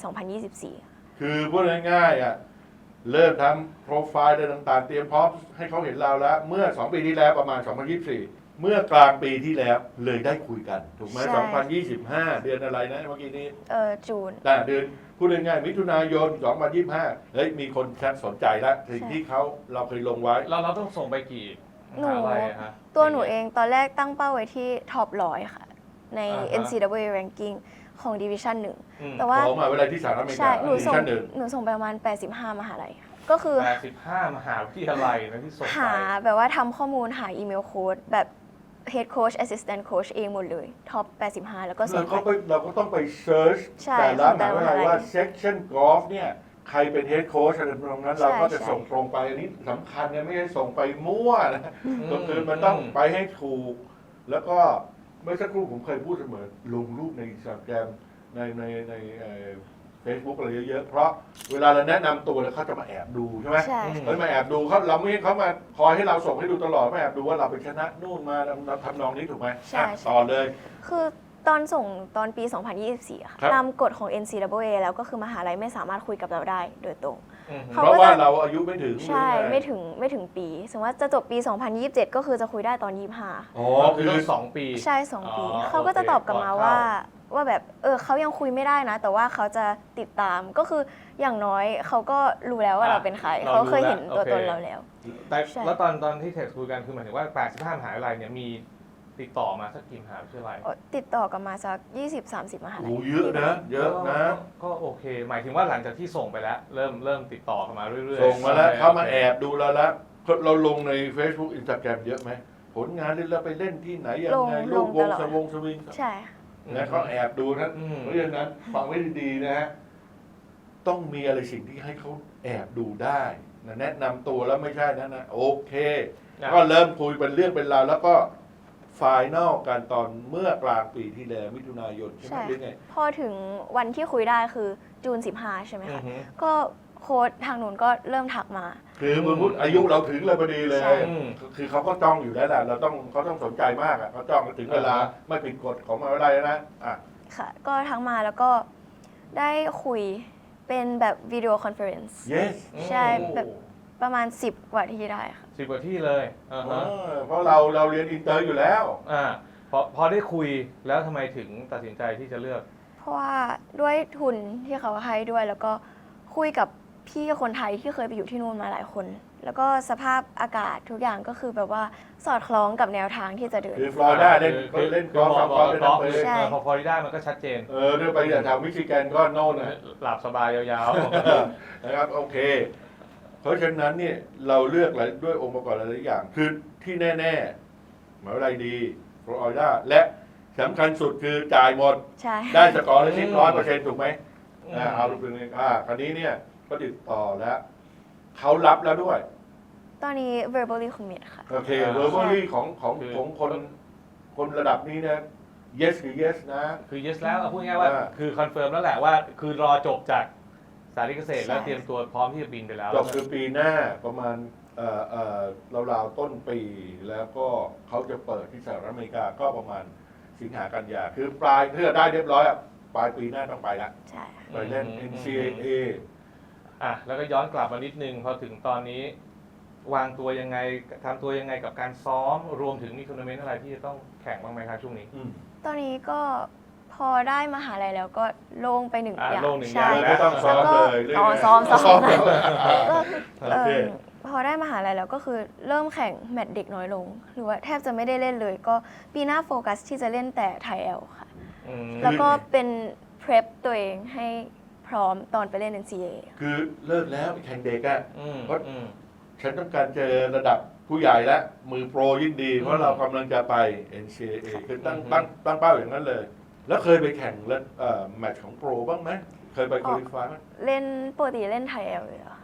Speaker 2: 2024
Speaker 1: คือพูดง่ายๆอ่ะเริ่มทำโปรไฟล์อะไรต่างๆ เตรียมพร้อมให้เขาเห็นเราแล้ว เมื่อ 2 ปีที่แล้วประมาณ 2024 เมื่อกลางปีที่แล้วเลยได้คุยกัน ถูกไหม
Speaker 2: ใช่
Speaker 1: 2025 เดือนอะไรนะเมื่อกี้นี้
Speaker 2: จูน
Speaker 1: แต่เดือนพูดง่ายๆมิถุนายน 2025 เฮ้ยมีคนสนใจแล้วสิ่งที่เราเคยลงไว้
Speaker 3: เราต้องส่งไปกี่มหาลัยอะฮะ
Speaker 2: ตัวหนูเองตอนแรกตั้งเป้าไว้ที่ท็อป100 ค่ะ ใน
Speaker 3: อ่าฮะ
Speaker 2: NCAA ranking ของ Division
Speaker 3: อืม
Speaker 2: 1 แต่ว่า
Speaker 1: ของมหาวิทยาลัยที่สหรัฐอเมริ
Speaker 2: ใช่
Speaker 1: กา
Speaker 2: หนูส่ง
Speaker 1: ชั้นหนึ่ง
Speaker 2: หนูส่งไปประมาณ 85 มหาลัยค่ะก็คือ
Speaker 3: 85 มหาวิทยาลัยนะที่ส่งไป
Speaker 2: หาแบบว่าทำข้อมูลหาอีเมลโค้ดแบบ head coach assistant coach เองหมดเลยท็อป 85 แล้วก็ส่
Speaker 1: เรา
Speaker 2: ง
Speaker 1: ก็
Speaker 2: ไป
Speaker 1: เราก็ต้องไปเซิร์ช
Speaker 2: ใช่
Speaker 1: แต่ละ
Speaker 2: ของแต่
Speaker 1: ม
Speaker 2: ละ
Speaker 1: หาวิทยาลัย
Speaker 2: มหาลัย
Speaker 1: ว่า section golf เนี่ยใครเป็น head coach อะไรตรงนั้น
Speaker 2: ใช่
Speaker 1: เราก็จะ
Speaker 2: ใช่
Speaker 1: ส่งตรงไปอันนี้สำคัญนะไม่ใช่ส่งไปมั่วนะ
Speaker 3: อืม
Speaker 1: ก็คือมันต้องไปให้ถูก แล้วก็เมื่อสักครู่ผมเคยพูดเสมอลงรูปใน Instagram ในเฟซบุ๊กอะไรเยอะๆ เพราะเวลาเราแนะนำตัวแล้วเขาจะมาแอบดูใช่ไหม
Speaker 2: ใช่
Speaker 1: เขามาแอบดูเราไม่ให้เขามาคอยให้เราส่งให้ดูตลอดมาแอบดูว่าเราไปชนะนู่นมาเราทำนองนี้ถูกไหม
Speaker 2: ใช่
Speaker 1: อ่ะ
Speaker 2: ใช่
Speaker 1: ต่อเลย
Speaker 2: คือตอนส่งตอนปี 2024อะค่ะ
Speaker 1: ครับ
Speaker 2: ตามกฎของ NCAA แล้วก็คือมหาลัยไม่สามารถคุยกับเราได้โดยตรง
Speaker 3: อืม
Speaker 2: เขา
Speaker 1: เพราะ
Speaker 2: ก็
Speaker 1: ว่า
Speaker 2: จะ
Speaker 1: เราอายุไม่ถึง
Speaker 2: ใช่
Speaker 1: หรือไง
Speaker 2: ไม่ถึงปี สมมติว่าจะจบปี 2027 ก็คือจะคุยได้ตอน 25
Speaker 1: อ๋อ
Speaker 3: คื
Speaker 1: คือ อ
Speaker 3: ต้อง2 ปี
Speaker 2: ใช่ 2 ปี
Speaker 3: อ๋อ
Speaker 2: เขาก็จะตอบกลับมา
Speaker 3: โอเค
Speaker 2: ว่าแบบเขายังคุยไม่ได้นะ แต่ว่าเขาจะติดตามก็คืออย่างน้อยเขาก็รู้แล้วว่าเราเป็นใคร
Speaker 3: เรา
Speaker 2: เขา
Speaker 3: รู้
Speaker 2: เคยเห็น
Speaker 3: แล้ว
Speaker 2: ตัว
Speaker 3: โอเค
Speaker 2: ตนเราแล้ว
Speaker 3: แต่
Speaker 2: ใช่
Speaker 3: แล้วตอนที่เทคคุยกันคือหมายถึงว่า 85 มหาวิทยาลัยเนี่ยมีติดต่อมาสักกี่มหาวิทยาลัย
Speaker 2: ติดต่อกันมาสัก 20-30 มหาลั
Speaker 1: โอ้
Speaker 2: ย
Speaker 1: เยอะนะเยอะนะ
Speaker 3: ก็โอเค หมายถึงว่าหลังจากที่ส่งไปแล้ว เริ่มติดต่อกันมาเรื่อยๆ
Speaker 1: ส่งมาแล้ว
Speaker 3: โอค
Speaker 1: เขามาแอบดูเราแล้วเราลงใน Facebook Instagram เยอะไหมผลงานเล่นเราไปเล่นที่ไหนยังไง
Speaker 2: ล
Speaker 1: ลู
Speaker 2: ง
Speaker 1: กว
Speaker 2: ต
Speaker 1: ง
Speaker 2: ลอด
Speaker 1: สวงสวิง
Speaker 2: ใช่ค่ะ
Speaker 1: นะเขาแอบดูนะ
Speaker 3: อืม
Speaker 1: เพราะฉะนั้นฟังไว้ดีๆนะฮะต้องมีอะไรสิ่งที่ให้เขาแอบดูได้นะแนะนำตัวแล้วไม่ใช่นะโอเค ก็เริ่มคุยเป็นเรื่องเป็นราวแล้วก็ไฟนอลกันตอนเมื่อกลางปีที่แล้วมิถุนายนใช่ไหม
Speaker 2: ใช่
Speaker 1: หรือไง
Speaker 2: พอถึงวันที่คุยได้คือจูน 15 ใช่ไหม
Speaker 3: อือ
Speaker 2: คะ
Speaker 3: ฮึ
Speaker 2: ก็โค้ดทางนู้นก็เริ่มทักมา
Speaker 1: คือมึงพูดอายุเราถึงเลยพอดีเลย
Speaker 2: ใช่
Speaker 1: คือเขาก็จ้องอยู่แล้วแหละเขาต้องสนใจมากอ่ะเขาจ้องถึงเวลาไม่ผิดกฎของมหาวิทยาลัยแล้วนะอ่ะ
Speaker 2: ค่ะ ก็ทักมาแล้วก็ได้คุยเป็นแบบวิดีโอคอนเฟอเรนซ์
Speaker 1: yes
Speaker 2: ใช่แบบ ประมาณ 10 กว่าที่ได้ค่ะ
Speaker 3: 10 กว่าที่เลยอ่าฮะ
Speaker 1: เพราะเราเรียนอินเตอร์อยู่แล้ว
Speaker 3: พอได้คุยแล้วทำไมถึงตัดสินใจที่จะเลือก
Speaker 2: เพราะว่าด้วยทุนที่เขาให้ด้วย แล้วก็คุยกับพี่คนไทยที่เคยไปอยู่ที่นู่นมาหลายคน แล้วก็สภาพอากาศทุกอย่างก็คือแบบว่าสอดคล้องกับแนวทางที่จะเดิน
Speaker 1: คือฟลอริดาเล่นเขาเล่นกอล์ฟ
Speaker 3: ม
Speaker 1: สามกอล์ฟเล่นน้ำไป
Speaker 2: ใช่
Speaker 3: พอฟลอริดามันก็ชัดเจน
Speaker 1: เรื่องไปแถวมิชิแกนก็โน่นนะ
Speaker 3: หลับสบายยาว
Speaker 1: นะครับโอเค เพราะฉะนั้นเนี่ยเราเลือกหลายด้วยองค์ประกอบหลายๆอย่าง คือที่แน่ๆหมหาวิทยาลัยดีฟลอริดาและสำคัญสุดคือจ่ายหมด
Speaker 2: ใช่
Speaker 1: ได้สกอร์ละ100%ถูกไหมเอาลูกเป็นคราวนี้เนี่ยก็ติดต่อแล้วเขารับแล้วด้วย
Speaker 2: ตอนนี้ verbally commit ค่ะ
Speaker 1: โอเคเวอร์บอรี่ของคนระดับนี้นะ yes คือ yes นะ
Speaker 3: ๆ คือ yes แล้วเอาพูดง่ายๆว่า คือคอนเฟิร์มแล้วแหละว่า คือรอจบจากสายเกษตรแล้ว
Speaker 2: ใช่
Speaker 3: เตรียมตัวพร้อมที่จะบินไปแล้ว
Speaker 1: จบคือปีหน้าประมาณราวๆต้นปี แล้วก็เขาจะเปิดที่สหรัฐอเมริกาก็ประมาณสิงหากันยาคือปลายเพื่อได้เรียบร้อยอะปลายปีหน้าต้องไปละ
Speaker 2: ใช่ค่ะ
Speaker 1: ไปเล่น NCAA
Speaker 3: แล้วก็ย้อนกลับมานิดนึงพอถึงตอนนี้ วางตัวยังไงทำตัวยังไงกับการซ้อมรวมถึงมีทัวร์นาเมนต์อะไรที่จะต้องแข่งบ้างไหมครับช่วงนี้
Speaker 2: ตอนนี้ก็พอได้มหาลัยแล้วก็โล่งไปหนึ่งอย่าง
Speaker 3: โล่งหนึ่ง
Speaker 2: ใช่
Speaker 3: อย่าง
Speaker 1: ไม่ต้องซ้อมเลย
Speaker 2: อ๋อ
Speaker 1: เรื่อยๆ
Speaker 2: ซ้อม ก็
Speaker 1: โอเค
Speaker 2: พอได้มหาลัยแล้วก็คือเริ่มแข่งแมตช์เด็กน้อยลง หรือว่าแทบจะไม่ได้เล่นเลย ก็ปีหน้าโฟกัสที่จะเล่นแต่ไทยแอลค่ะ
Speaker 3: อืม
Speaker 2: แล้วก็เป็น prep ตัวเองให้พร้อมตอนไปเล่น NCAA
Speaker 1: คือเลิกแล้วไปแข่งเด็กอะ
Speaker 3: อืม
Speaker 1: เพราะ
Speaker 3: อืม
Speaker 1: ฉันต้องการเจอระดับผู้ใหญ่แล้วมือโปรยิ่งดี เพราะเรากำลังจะไป NCAA คือตั้งเป้าอย่างนั้นเลย แล้วเคยไปแข่งแล้วแมตช์ของโปรบ้างไหมเคยไปคุริฟายไหม
Speaker 2: เล่นปกติเล่นไทยแอลเลยเหรอคะ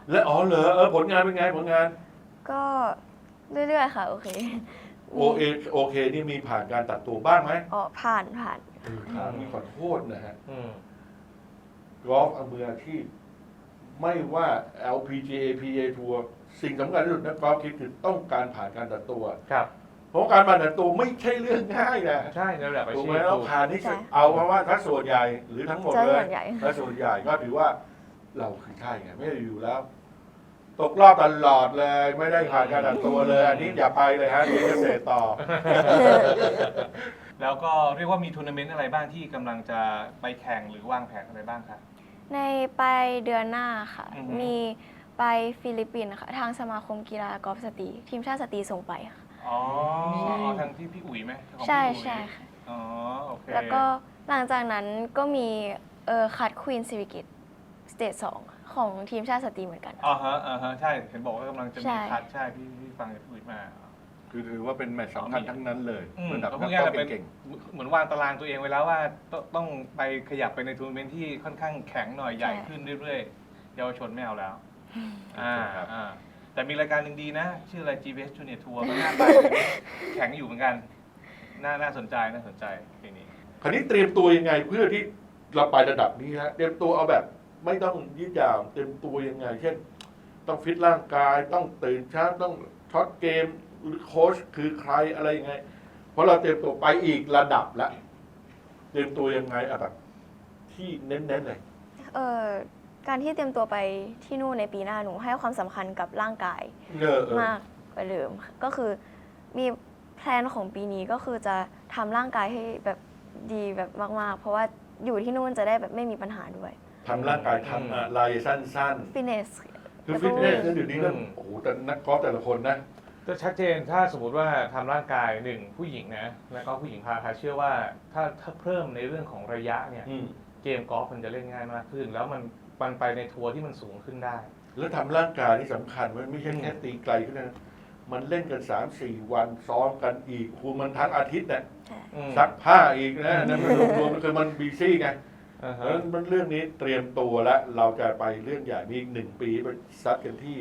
Speaker 1: และอ๋อเหรอผลงานเป็นไงผลงาน
Speaker 2: ก็เรื่อยๆค่ะ โอเค
Speaker 1: โอเคนี่มีผ่านการตัดตัวบ้างไหม
Speaker 2: อ๋อผ่าน
Speaker 1: ถามนี่ขอโทษนะฮะ
Speaker 3: อืม
Speaker 1: กอล์ฟมืออาชีพไม่ว่า LPGA PGA ทัวร์สิ่งสำคัญที่สุดนักกอล์ฟคิดคือต้องการผ่านการตัดตัว
Speaker 3: ครับ
Speaker 1: เพราะการผ่านตัดตัวไม่ใช่เรื่องง่ายนะ
Speaker 3: ใช่ในระดับอา
Speaker 1: ถูก
Speaker 3: ชี
Speaker 1: ไห
Speaker 3: พ
Speaker 1: มเรา
Speaker 3: ถูก
Speaker 1: ผ่านนี่
Speaker 2: ใช่
Speaker 1: เอาเพราะว่าถ้าส่วนใหญ่หรือทั้งหมด
Speaker 2: จะ
Speaker 1: เล
Speaker 2: ส่
Speaker 1: ย
Speaker 2: วนใหญ่
Speaker 1: ถ้าส่วนใหญ่ก็ถือว่าเราคือใช่ไงไม่ได้อยู่แล้ว ตกรอบตลอดเลยไม่ได้ผ่านการตัดตัวเลยอันนี้อย่าไปเลยฮะเดี๋ยวจะเสร็จต่อ
Speaker 3: แล้วก็เรียกว่ามีทัวร์นาเมนต์อะไรบ้างที่กำลังจะไปแข่งหรือวางแผนอะไรบ้างครับ
Speaker 2: ในปลายเดือนหน้าค่ะ
Speaker 3: อือฮึ
Speaker 2: มีไปฟิลิปปินส์ค่ะ ทางสมาคมกีฬากอล์ฟสตรีทีมชาติสตรีส่งไปค่ะ
Speaker 3: อ๋อทางพี่อุ๋ยไหมของพี่
Speaker 2: ใช่
Speaker 3: อุ๋ย
Speaker 2: ใช่ค่ะ
Speaker 3: อ๋อโอเค
Speaker 2: แล้วก็หลังจากนั้นก็มีคัดควีนซิวิกิตสเตจ2ของทีมชาติสตรีเหมือนกัน
Speaker 3: อ๋อฮะใช่เห็นบอกว่ากำลังจะ
Speaker 2: ใช่
Speaker 3: มีคัดใช่พี่ฟังจากพี่อุ๋ยมา
Speaker 1: คือถือว่าเป็นแมตช์สำคัญทั้งนั้นเลย
Speaker 3: อืม
Speaker 1: ระดับ
Speaker 3: ก็
Speaker 1: นั
Speaker 3: พู
Speaker 1: ก
Speaker 3: ด
Speaker 1: ก
Speaker 3: ง่า
Speaker 1: อย ล์ฟ
Speaker 3: ๆเป็น
Speaker 1: เก่ง
Speaker 3: เหมือนวางตารางตัวเองไว้แล้วว่าต้องไปขยับไปในทัวร์นาเมนต์ที่ค่อนข้างแข็งหน่อยใหญ่ขึ้นเรื่อยๆเยาวชนไม่เอาแล้วแต่มีรายการหนึ่งดีนะ ชื่ออะไร GPS Junior Tour ก็น่าไปแข็งอยู่เหมือนกัน น่าสนใจปีนี้
Speaker 1: ๆคราวนี้เตรียมตัวยังไงเพื่อที่เราไประดับนี้ฮะเตรียมตัวเอาแบบไม่ต้องยืดยาวเตรียมตัวยังไง เช่น ต้องฟิตร่างกายต้องตื่นเช้าต้องช็อตเกมหรือโค้ชคือใครอะไรยังไง เพราะเราเตรียมตัวไปอีกระดับแล้วเตรียมตัวยังไงอะแบบที่เน้นๆเลย
Speaker 2: การที่เตรียมตัวไปที่นู่นในปีหน้าหนูให้ความสำคัญกับร่างกาย มากกว่าเดิมค่ะก็คือมีแพลนของปีนี้ก็คือจะทำร่างกายให้แบบดีแบบมากๆ เพราะว่าอยู่ที่นู่นจะได้แบบไม่มีปัญหาด้วย
Speaker 1: ทำร่างกายทำอะไรสั้น
Speaker 2: ฟิตเนส
Speaker 1: ๆ คือฟิตเนสนั่นอยู่นี้ก็โอ้โหแต่นักกอล์ฟแต่ละคนนะ
Speaker 3: ก็ชัดเจนถ้าสมมติว่าทำร่างกายหนึ่งผู้หญิงนะแล้วก็ผู้หญิงพาคาเชื่อว่าถ้าเพิ่มในเรื่องของระยะเนี่ยเกมกอล์ฟมันจะเล่นง่ายมากขึ้น แล้วมันไปในทัวร์ที่มันสูงขึ้นได้
Speaker 1: แล้วทำร่างกายที่สำคัญมันไม่ใช่แค่ตีไกลขึ้นนะมันเล่นกัน 3-4 วันซ้อมกันอีกคูมันทั้งอาทิตย์เนี่ย ซักผ้าอีกนะนั่นมันรวมๆคือมันบีซี่ไงเพราะฉะนั้นมันเรื่องนี้เตรียมตัวแล้วเราจะไปเรื่องใหญ่มีอีก1 ปีไปซัดกันที่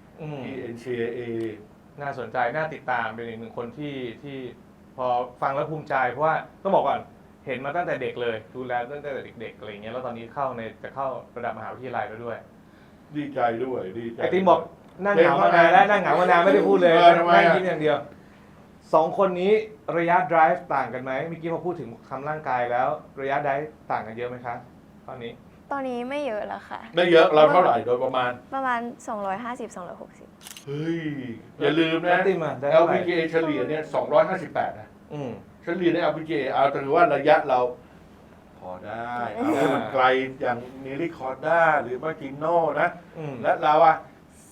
Speaker 1: NCAA
Speaker 3: น่าสนใจน่าติดตามเป็นอีกหนึ่งคนที่พอฟังแล้วภูมิใจเพราะว่าต้องบอกก่อนเห็นมาตั้งแต่เด็กเลยดูแลตั้งแต่เด็กๆอะไรอย่างเงี้ยแล้วตอนนี้จะเข้าระดับมหาวิทยาลัยแล้วด้วย
Speaker 1: ดีใจด้วยดีใจ
Speaker 3: ไอติมบอกนั่งเหงามานานแล้วนั่งเหงามานานไม่ได้พูดเลยนั่งยิ้มอย่างเดียว2 คนนี้ระยะ drive ต่างกันไหมเมื่อกี้พอพูดถึงทำร่างกายแล้วระยะ drive ต่างกันเยอะไหมคะตอนนี้
Speaker 2: ตอนนี้ไม่เยอะแล้วค่ะ
Speaker 1: ไม่เยอะเราเท่าไหร่โดยประมาณ
Speaker 2: 250-260
Speaker 1: เฮ้ย อย่าลืมนะ
Speaker 3: แล้วติมอะได้เท่าไหร่
Speaker 1: LPGA เฉลี่ยเนี่ย258นะ
Speaker 3: อืม
Speaker 1: เฉลี่ยใน LPGA เอาถือว่าระยะเราพอได้เอาให้มันไกลอย่างนิริคอร์ด้าหรือมาจิโน่นะ
Speaker 3: อืม
Speaker 1: และเราอะ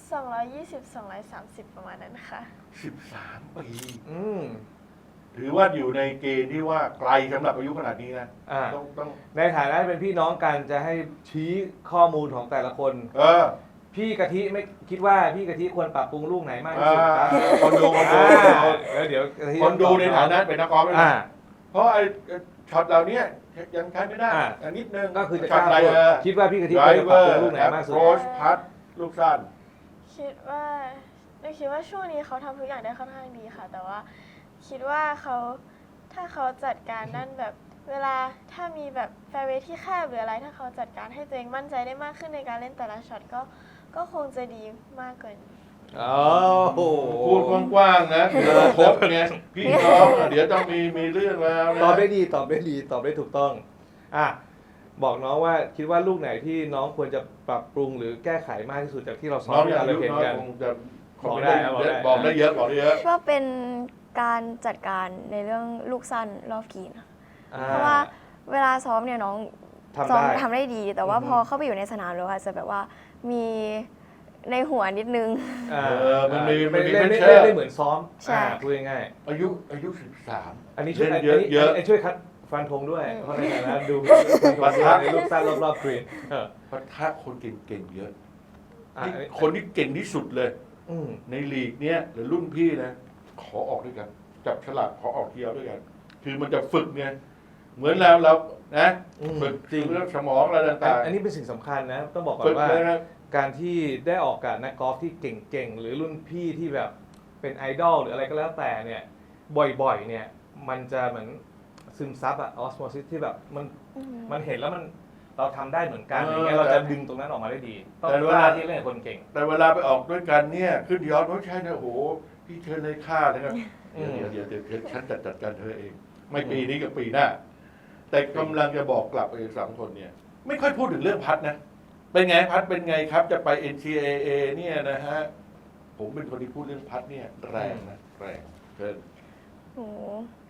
Speaker 4: 220-230 ประมาณนั้นค่ะ
Speaker 1: 13 ปี
Speaker 3: อืม
Speaker 1: ถือว่าอยู่ในเกณฑ์ที่ว่าไกลสำหรับอายุขนาดนี้นะ
Speaker 3: อ่า
Speaker 1: ต้อง
Speaker 3: ในฐานะเป็นพี่น้องกันจะให้ชี้ข้อมูลของแต่ละคน พี่กะทิไม่คิดว่าพี่กะทิควรปรับปรุงลูกไหนมากที่สุดครับ
Speaker 1: คนดู
Speaker 3: แล้วเดี๋ยวกะทิ
Speaker 1: คนดูในฐานะเป็นนักกอล์ฟด้วย
Speaker 3: อ่า
Speaker 1: นะเพราะไอ้ช็อตเหล่านี้ยังใช้ไม่ได้
Speaker 3: อ่า
Speaker 1: อันนิดนึง
Speaker 3: ก็คือจะ
Speaker 1: ช็อตอะไร
Speaker 3: คิดว่าพี่กะทิควรจะปรับปรุงลูกไหนมากสุด
Speaker 1: โรชพัดลูกสั้น
Speaker 4: คิดว่าช่วงนี้เขาทำทุกอย่างได้ค่อนข้างดีค่ะ แต่ว่าคิดว่าถ้าเขาจัดการด้านแบบเวลาถ้ามีแบบแฟร์เวย์ที่แคบหรืออะไร ถ้าเขาจัดการให้ตัวเองมั่นใจได้มากขึ้นในการเล่นแต่ละช็อตก็คงจะดีมากกว่านี้
Speaker 3: โอ้โห
Speaker 1: พูดกว้างๆนะเดี๋ยวครบไงพี่น้องเดี๋ยวต้องมีเรื่องแล้วนะ
Speaker 3: ตอบได้ดีตอบได้ถูกต้องอ่ะบอกน้องว่าคิดว่าลูกไหนที่น้องควรจะปรับปรุงหรือแก้ไขมากที่สุดจากที่เราซ้อ
Speaker 1: น้
Speaker 3: ม
Speaker 1: อง
Speaker 3: ที่
Speaker 1: อย่าง
Speaker 3: เรา
Speaker 1: อายุ
Speaker 3: เห็น
Speaker 1: น้อย
Speaker 3: กัน
Speaker 1: คงจะ
Speaker 3: บอกได้
Speaker 1: บอกได้เยอะบอกได้เยอะ
Speaker 2: ว่าเป็นการจัดการในเรื่องลูกสั้นรอบกรีนค่ะ
Speaker 3: อ่
Speaker 2: เพราะว่าเวลาซ้อมเนี่ยน้อง
Speaker 3: ทำ
Speaker 2: ซ้อม
Speaker 3: ได้
Speaker 2: ทำได้ดี แต่ว่า
Speaker 3: อือฮึ
Speaker 2: พอเข้าไปอยู่ในสนามแล้วอาจจะแบบว่ามีในหัวนิดนึง
Speaker 3: อ่า
Speaker 1: มันมี
Speaker 3: ไม่
Speaker 1: มันมี
Speaker 3: เล่น
Speaker 1: pressure
Speaker 3: ไม่เหมือนซ้อม
Speaker 2: ใช่
Speaker 3: พูดง่าย
Speaker 1: อายุ13
Speaker 3: ๆอันนี้ช่วย
Speaker 1: เล่น
Speaker 3: อันนี้
Speaker 1: เยอะ
Speaker 3: อันนี้ช่วยคัดฟันธงด้วย
Speaker 2: อืม
Speaker 3: เพราะในฐานะดู
Speaker 1: ปะทะ
Speaker 3: ในลูกสั้นรอบๆกรีน
Speaker 1: ปะทะคนเก่งๆเยอะ
Speaker 3: อ่ะ
Speaker 1: นี่คนที่เก่งที่สุดเลย
Speaker 3: อืม
Speaker 1: ในลีกเนี้ยหรือรุ่นพี่นะขอออกด้วยกันจับฉลากขอออกเที่ยวด้วยกัน คือมันจะฝึกไงเหมือนเรานะ ฝึก
Speaker 3: จริง
Speaker 1: เรื่องสมองอะไรต่าง
Speaker 3: อันนี้เป็นสิ่งสำคัญนะ ต้องบอกก่อ
Speaker 1: ๆฝึ
Speaker 3: น
Speaker 1: ก
Speaker 3: ว่า
Speaker 1: เลยนะ
Speaker 3: การที่ได้ออกกับนักกอล์ฟที่เก่งๆ หรือรุ่นพี่ที่แบบเป็นไอดอลหรืออะไรก็แล้วแต่เนี่ยบ่อยๆเนี่ยมันจะเหมือนซึมซับอะออสโมซิสที่แบบมันเห็นแล้วเราทำได้เหมือนกันอย่างเงี้ยเราจะดึงตรงนั้นออกมาได้ดี ต้องกล้าที่เล่นกับคนเก่ง
Speaker 1: แต่เวลาไปออกด้วยกันเนี่ยขึ้นยอดไม่ใช่นะโอ้โหพี่เชิญเลยค่าเลยครับ
Speaker 3: อืม
Speaker 1: เดี๋ยวฉันจัดการเธอเอง ไม่ปีนี้กับปีหน้า แต่กำลังจะบอกกลับไปสามคนเนี่ย ไม่ค่อยพูดถึงเรื่องพัดนะ เป็นไงพัดเป็นไงครับ จะไป NCAA เนี่ยนะฮะผมเป็นคนที่พูดเรื่องพัดเนี่ยแรงนะแรงเกิน
Speaker 2: หนู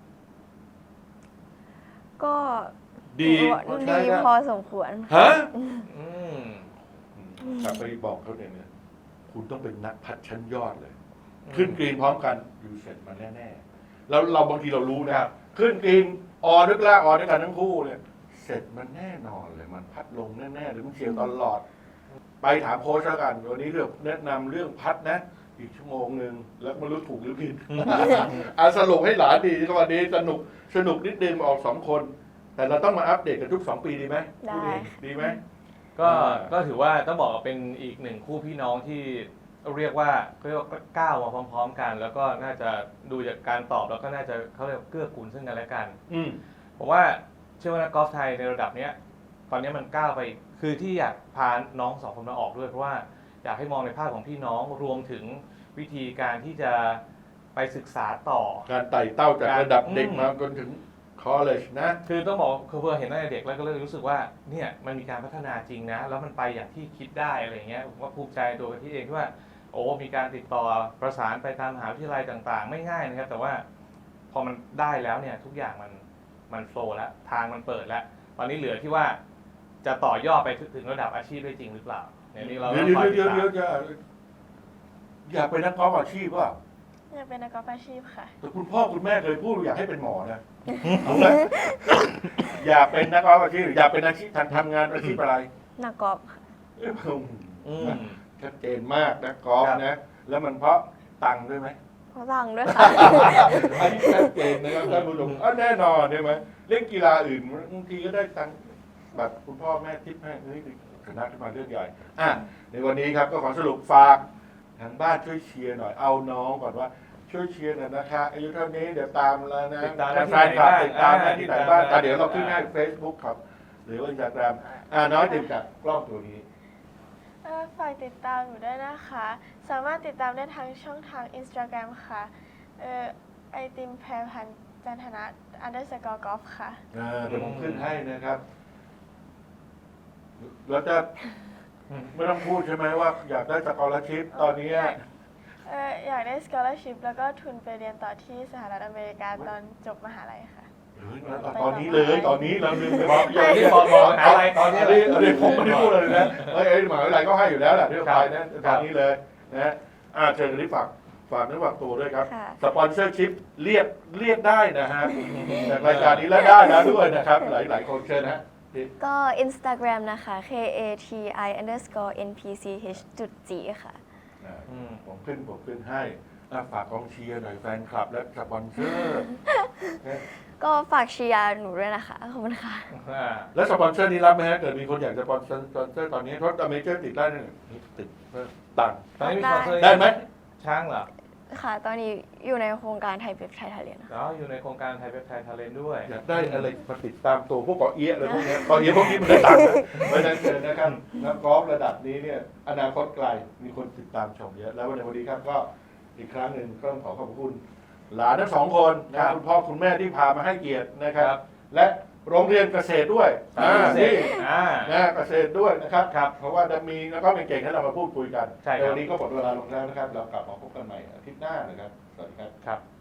Speaker 2: ก็
Speaker 1: ดี
Speaker 2: ดีพอสมควร
Speaker 1: ฮะ
Speaker 3: อืม
Speaker 1: กลับไปบอกเขาเนี่ยคุณต้องเป็นนักพัดชั้นยอดเลย ขึ้นกรีนพร้อมกันอยู่เสร็จมันแน่ๆแล้วเราบางทีเรารู้นะครับ ขึ้นกรีนออด้วยกล้าออด้วยกันทั้งคู่เนี่ยเสร็จมันแน่นอนเลยมันพัดลงแน่ๆหรือมันเฉียวตลอด ไปถามโค้ชแล้วกันวันนี้เรื่องแนะนำเรื่องพัดนะ อีกชั่วโมงหนึ่งแล้วไม่รู้ถูกหรือผิด สรุปให้หลานดีก็วันนี้สนุกนิดนึงออก2 คน แต่เราต้องมาอัปเดตกันทุก2 ปีดีไหม
Speaker 2: ได้
Speaker 1: ดีไหม
Speaker 3: ก็ถือว่าต้องบอกว่าเป็นอีกหนึ่งคู่พี่น้องที่เรียกว่าก้าวมาพร้อมๆกัน แล้วก็น่าจะดูจากการตอบแล้วก็น่าจะเขาเรียกเกื้อกูลซึ่งกันและกัน
Speaker 1: อืม
Speaker 3: ผมว่าเชื่อว่านักกอล์ฟไทยในระดับเนี้ยตอนนี้มันก้าวไปคือที่อยากพาน้อง2 คนมาออกด้วยเพราะว่าอยากให้มองในภาพของพี่น้องรวมถึงวิธีการที่จะไปศึกษาต่อ
Speaker 1: การไต่เต้าจากระดับเด็กมาจนถึงคอลเลจนะ
Speaker 3: คือต้องบอกคือเพื่อเห็นตั้งแต่เด็กแล้วก็เลยรู้สึกว่าเนี่ยมันมีการพัฒนาจริงนะ แล้วมันไปอย่างที่คิดได้อะไรเงี้ยผมก็ภูมิใจตัวที่เองที่ว่าโอ้มีการติดต่อประสานไปตามมหาวิทยาลัยต่างๆ ไม่ง่ายนะครับ แต่ว่าพอมันได้แล้วเนี่ยทุกอย่างมันโฟล์แล้วทางมันเปิดแล้ว ตอนนี้เหลือที่ว่าจะต่อยอดไปถึงระดับอาชีพได้จริงหรือเปล่าเนี่ยนี่เราต้องคอยติดตาม
Speaker 1: อยากเป็นนักกอล์ฟอาชีพว่า
Speaker 4: อยากเป็นนักกอล์ฟอาชีพค่ะ
Speaker 1: แต่คุณพ่อคุณแม่เคยพูดอยากให้เป็นหมอนะเอาไหมอยากเป็นนักกอล์ฟอาชีพอยากเป็นอาชีพทำงานอาชีพอะไร
Speaker 2: นักกอล์ฟค่ะ
Speaker 3: อืม
Speaker 1: ชัดเจนมากนะกอล์ฟนะ แล้วมันเพราะตังค์ด้วยไหม
Speaker 2: เพราะตังค์ด้วยค่ะ
Speaker 1: อันนี้ชัดเจนนะครับท่านผู้ชมแน่นอนใช่ไหมเล่นกีฬาอื่นบางทีก็ได้ตังค์แบบคุณพ่อแม่ทิปให้เฮ้ยชนะขึ้นมาเรื่องใหญ่ในวันนี้ครับก็ขอสรุปฝากทางบ้านช่วยเชียร์หน่อยเอาน้องก่อนว่าช่วยเชียร์หน่อยนะคะอายุเท่านี้เดี๋ยวตามแล้วนะ
Speaker 3: ติดตามได้ที่
Speaker 1: แฟนคลับ
Speaker 3: ไหนบ้าง
Speaker 1: ติดตามได้ที่ไหนบ้าง
Speaker 3: ติดตาม
Speaker 1: เดี๋ยวเราขึ้นให้ Facebook ครับ หรือว่า Instagram น้อยติดกับกล้องตัวนี้
Speaker 4: ฝากติดตามอยู่ด้วยนะคะ สามารถติดตามได้ทางช่องทาง Instagram ค่ะไอติมแพรพันธ์จันทนะ_golf ค่ะ
Speaker 1: เดี๋ยวผมขึ้นให้นะครับ แล้วจะไม่ต้องพูดใช่ไหมว่าอยากได้สกอร์ชิพตอนนี้
Speaker 4: อยากได้ scholarship แล้วก็ทุนไปเรียนต่อที่สหรัฐอเมริกาตอนจบมหาลัยค่ะ
Speaker 1: ตอนนี้เลยตอนนี้เราลืมไปบอก
Speaker 3: อย่างที่บอกอะไรตอนนี้
Speaker 1: อันนี้ผมไม่ได้พูดเลยนะเฮ้ยหมหาวิทยาลัยก็ให้อยู่แล้วแหละที่ไปนะตอนนี้เลยนะเชิญกันที่ฝากเนื้อฝากตัวด้วยครับ
Speaker 2: ค่ะ
Speaker 1: สปอนเซอร์ชิพเรียกได้นะฮะจากรายการนี้แล้วได้นะด้วยนะครับ หลายคนเชิญนะ
Speaker 2: ก็ Instagram นะคะ KATI_NPCH.G ค่ะ
Speaker 1: ผมขึ้นให้ฝากกองเชียร์หน่อยแฟนคลับและสปอนเซอร์
Speaker 2: ก็ฝากเชียร์หนูด้วยนะคะ ขอบคุณค่ะ
Speaker 1: แล้วสปอนเซอร์นี้รับไหมฮะเกิดมีคนอยากจะสปอนเซอร์ตอนนี้เพราะอเมเจอร์ติดได้เนี่ยติดตังค์
Speaker 3: ตอนนี้มีสปอนเซอร์
Speaker 1: ได้ไหม
Speaker 3: ช้างเหรอ
Speaker 2: ค่ะ ตอนนี้อยู่ในโครงการไทยเว็บไทยทะเลนะคะ
Speaker 3: แล้วอยู่ในโครงการไทยเว็บไทยทาเลนด้วย
Speaker 1: อยากได้อะไรมาติดตามตัวพวกเกาะเอี้ยอะไรพวกนี้เกาะเอี้ยพวกนี้มันได้ตังค์นะเพราะฉะนั้นเชิญนะครับนักกอล์ฟระดับนี้เนี่ยอนาคตไกลมีคนติดตามชมเยอะแล้วในวันนี้ครับก็อีกครั้งหนึ่งก็ต้องขอบคุณหลานทั้ง2 คนนะคุณพ่อคุณแม่ที่พามาให้เกียรตินะครับ และโรงเรียนเกษตรด้วยนี่นะเกษตรด้วยนะครับเพราะว่าจะมีแล้วก็เก่งๆให้เรามาพูดคุยกัน
Speaker 3: ใช่ครับ
Speaker 1: วันนี้ก็หมดเวลาลงแล้วนะครับเรากลับมาพบกันใหม่อาทิตย์หน้านะครับสวัสดีครับ
Speaker 3: ครับ